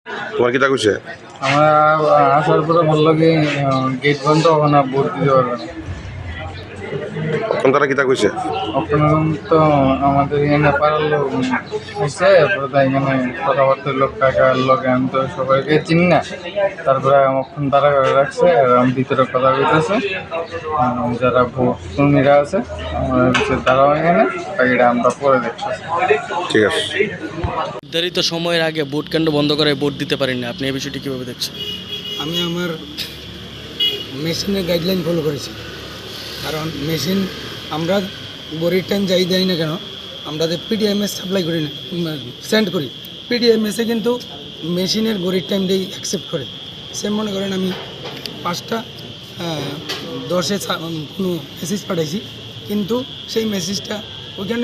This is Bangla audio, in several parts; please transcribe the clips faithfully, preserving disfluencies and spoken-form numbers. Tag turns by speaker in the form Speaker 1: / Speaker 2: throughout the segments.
Speaker 1: তোমার কিতা কইছে?
Speaker 2: আমরা আসার পরে বললো কি গেট বন্ধ ওখানে ভোট দিতে পারবে না।
Speaker 1: তখন তারা কিতা কইছে?
Speaker 2: ওখানে তো আমাদের এখানে পাড়ার লোক হয়েছে, তারপরে তাই এখানে কথাবার্তার লোক কাকার লোক আমি তো সবাইকে চিনি না। তারপরে ওখানে তারা করে রাখছে আর আমি ভিতরে কথা বলতেছে যারা ভোট কর্মীরা আছে আমার হচ্ছে তারাও এখানে, এটা আমরা পরে দেখতেছি।
Speaker 1: ঠিক আছে।
Speaker 3: নির্ধারিত সময়ের আগে ভোট কেন্দ্র বন্ধ করে ভোট দিতে পারেননি, আপনি এই বিষয়টি কীভাবে দেখছেন?
Speaker 4: আমি আমার মেশিনের গাইডলাইন ফলো করেছি, কারণ মেশিন আমরা গড়ির টাইম যাই দেয় না কেন, আমরা যে পিডিএমএস সাপ্লাই করি না সেন্ড করি, পিডিএমএসে কিন্তু মেশিনের গড়ির টাইম দিয়ে অ্যাকসেপ্ট করে। সেম মনে করেন আমি পাঁচটা দশে কোনো মেসেজ পাঠাইছি, কিন্তু সেই মেসেজটা ওইখানে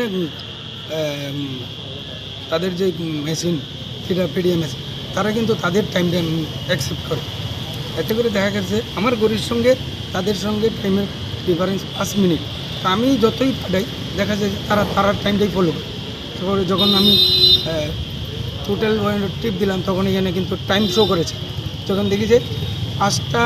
Speaker 4: তাদের যে মেশিন সেটা পিডিএমএস তারা কিন্তু তাদের টাইমটা অ্যাকসেপ্ট করে। এতে করে দেখা গেছে আমার গড়ির সঙ্গে তাদের সঙ্গে টাইমের ডিফারেন্স পাঁচ মিনিট। তা আমি যতই পাঠাই দেখা যায় যে তারা তারার টাইমটাই ফলো করে। তারপরে যখন আমি টোটাল টিপ দিলাম তখন এখানে কিন্তু টাইম শো করেছে, যখন দেখি যে পাঁচটা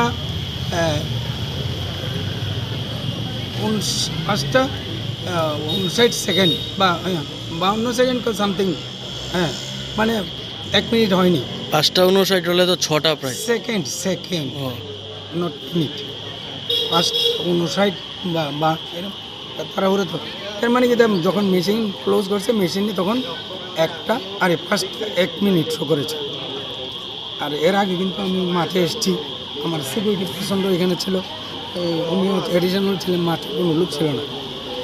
Speaker 4: পাঁচটা উনষাট সেকেন্ড বা বাউন্ন সেকেন্ড সামথিং, হ্যাঁ মানে এক মিনিট হয়নি।
Speaker 3: পাঁচটা উনষাট হলে তো ছটা প্রায়
Speaker 4: সেকেন্ড সেকেন্ড নট মিনিট, পাঁচটা উনষাট বা বা এরকম তাড়াহুড়ো তো। এর মানে কি যখন মেশিন ক্লোজ করছে মেশিনে তখন একটা আরে ফার্স্ট এক মিনিট শো করেছে। আর এর আগে কিন্তু আমি মাঠে এসেছি, আমার সিকিউরিটি পার্সনও এখানে ছিল, উনিও এডিশনাল ছিলেন, মাঠে কোনো লোক ছিল না।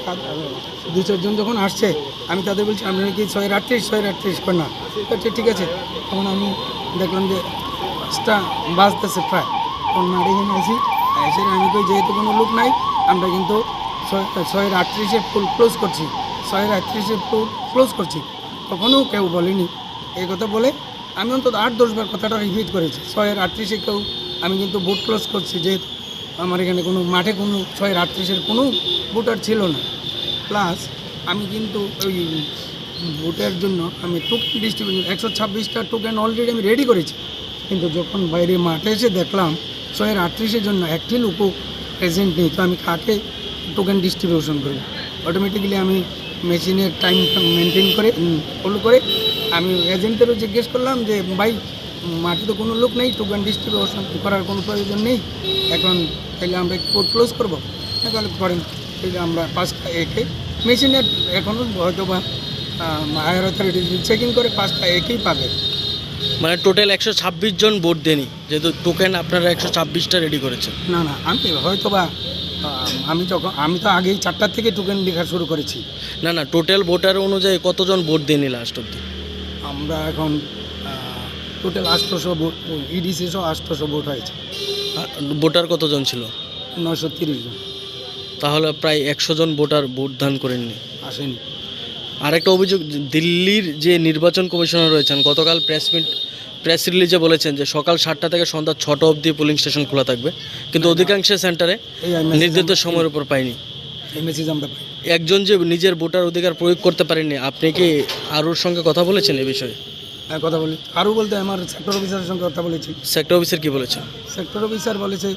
Speaker 4: দু চারজন যখন আসছে আমি তাদের বলছি আপনারা কি ছয়ের আটত্রিশ ছয়ের আটত্রিশ করে না, আচ্ছা ঠিক আছে। তখন আমি দেখলাম যে পাঁচটা বাজতেছে প্রায়, তখন মাঠে এখানে আসি, এসে আমি কই যেহেতু কোনো লোক নাই আমরা কিন্তু ছয় ছয়ের আটত্রিশে ফুল ক্লোজ করছি, ছয়ের আটত্রিশে ফুল ক্লোজ করছি। তখনও কেউ বলেনি এই কথা, বলে আমি অন্তত আট দশবার কথাটা রিপিট করেছি, ছয়ের আটত্রিশে কেউ আমি কিন্তু ভোট ক্লোজ করছি, যেহেতু আমার এখানে কোনো মাঠে কোনো ছয়ের আটত্রিশের কোনো ভোটার ছিল না। প্লাস আমি কিন্তু ওই ভোটের জন্য আমি টোকেন ডিস্ট্রিবিউশন একশো ছাব্বিশটা টোকেন অলরেডি আমি রেডি করেছি, কিন্তু যখন বাইরে মাঠে এসে দেখলাম ছয়ের আটত্রিশের জন্য একটি লোকও প্রেজেন্ট নেই, তো আমি কাকে টোকেন ডিস্ট্রিবিউশন করি? অটোমেটিক্যালি আমি মেশিনের টাইম মেনটেন করে ফলো করে আমি এজেন্টেরও জিজ্ঞেস করলাম যে ভাই মাঠে তো কোনো লোক নেই, টোকেন ডিস্ট্রিবিউশন করার কোনো প্রয়োজন নেই, এখন তাহলে আমরা কোড ক্লোজ করবো, তাহলে করেন। তাহলে আমরা পাঁচটা একে মেশিনের এখনও হয়তো বা হায়ার অথরিটি চেকিং করে পাঁচটা একেই পাবে।
Speaker 3: মানে টোটাল একশো ছাব্বিশ জন ভোট দেনি, যেহেতু টোকেন আপনারা একশো ছাব্বিশটা রেডি করেছেন।
Speaker 4: না না আমি হয়তো বা আমি যখন আমি তো আগেই চারটার থেকে টোকেন লেখা শুরু করেছি।
Speaker 3: না না টোটাল ভোটার অনুযায়ী কতজন ভোট দেনি লাস্ট অব্দি?
Speaker 4: আমরা এখন টোটাল আটশোশো ভোট, ইডিসি সহ আটশোশো ভোট হয়েছে।
Speaker 3: ভোটার কতজন ছিল?
Speaker 4: নয়শো তিরিশ জন।
Speaker 3: তাহলে প্রায় একশো জন ভোটার ভোট দান করেননি,
Speaker 4: আসেনি।
Speaker 3: আরেকটা অভিযোগ, দিল্লির যে নির্বাচন কমিশনার রয়েছেন গতকাল প্রেস মিট প্রেস রিলিজে বলেছেন যে সকাল সাতটা থেকে সন্ধ্যা ছটা অবধি পোলিং স্টেশন খোলা থাকবে, কিন্তু অধিকাংশ সেন্টারে নির্ধারিত সময়ের উপর পাইনি।
Speaker 4: এই মেসেজ আমরা পাই।
Speaker 3: একজন যে নিজের ভোটার অধিকার প্রয়োগ করতে পারেননি, আপনি কি আরুর সঙ্গে কথা বলেছেন এই বিষয়ে?
Speaker 4: হ্যাঁ কথা বলি, আরও বলতে আমার সেক্টর অফিসারের সঙ্গে কথা বলেছি।
Speaker 3: সেক্টর অফিসার কি বলেছেন?
Speaker 4: সেক্টর অফিসার বলেছে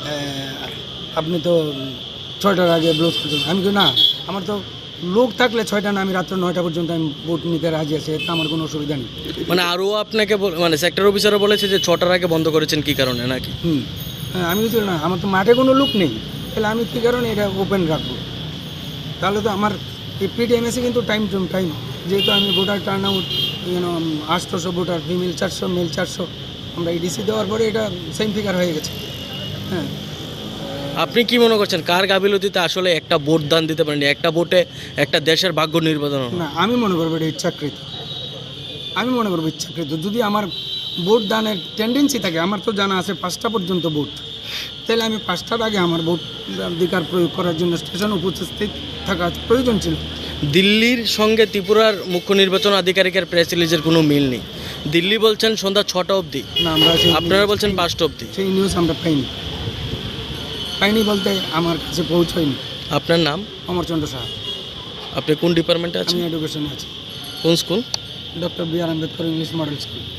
Speaker 4: আপনি তো ছয়টার আগে ব্লোজ করছেন। আমি কি না, আমার তো লোক থাকলে ছয়টা না, আমি রাত্র নয়টা পর্যন্ত আমি ভোট নিতে রাজি আছি, এটা আমার কোনো অসুবিধা নেই।
Speaker 3: মানে আরও আপনাকে মানে সেক্টর অফিসারও বলেছে যে ছটার আগে বন্ধ করেছেন কী কারণে নাকি?
Speaker 4: হুম হ্যাঁ আমি কিছু না, আমার তো মাঠে কোনো লোক নেই, তাহলে আমি কী কারণে এটা ওপেন রাখবো? তাহলে তো আমার এই পিডিএমএসে কিন্তু টাইম টু টাইম, যেহেতু আমি ভোটার টার্ন আউট ইউনো আটশোশো ভোটার, ফিমেল চারশো মেল চারশো, আমরা ইডিসি দেওয়ার পরে এটা সেম ফিগার হয়ে গেছে। হ্যাঁ
Speaker 3: আপনি কি মনে করছেন কার গাফিলতিতে আসলে একটা ভোট দান দিতে পারেনি? একটা ভোটে একটা দেশের ভাগ্য নির্বাচন
Speaker 4: না, আমি মনে করবো এটা ইচ্ছাকৃত। আমি মনে করবো ইচ্ছাকৃত। যদি আমার ভোট দানের টেন্ডেন্সি থাকে, আমার তো জানা আছে পাঁচটা পর্যন্ত ভোট, তাহলে আমি পাঁচটার আগে আমার ভোট অধিকার প্রয়োগ করার জন্য স্টেশন উপস্থিত থাকা প্রয়োজন ছিল।
Speaker 3: দিল্লির সঙ্গে ত্রিপুরার মুখ্য নির্বাচন আধিকারিকের প্রেস রিলিজের কোনো মিল নেই। দিল্লি বলছেন সন্ধ্যা ছটা অবধি,
Speaker 4: না আমরা
Speaker 3: আপনারা বলছেন পাঁচটা অবধি।
Speaker 4: সেই নিউজ আমরা পাইনি। পাইনি বলতে আমার কাছে পৌঁছয়নি।
Speaker 3: আপনার নাম?
Speaker 4: অমরচন্দ্র সাহা।
Speaker 3: আপনি কোন ডিপার্টমেন্টে আছেন?
Speaker 4: আমি এডুকেশনে আছি।
Speaker 3: কোন school?
Speaker 4: Doctor B R Ambedkar English model school.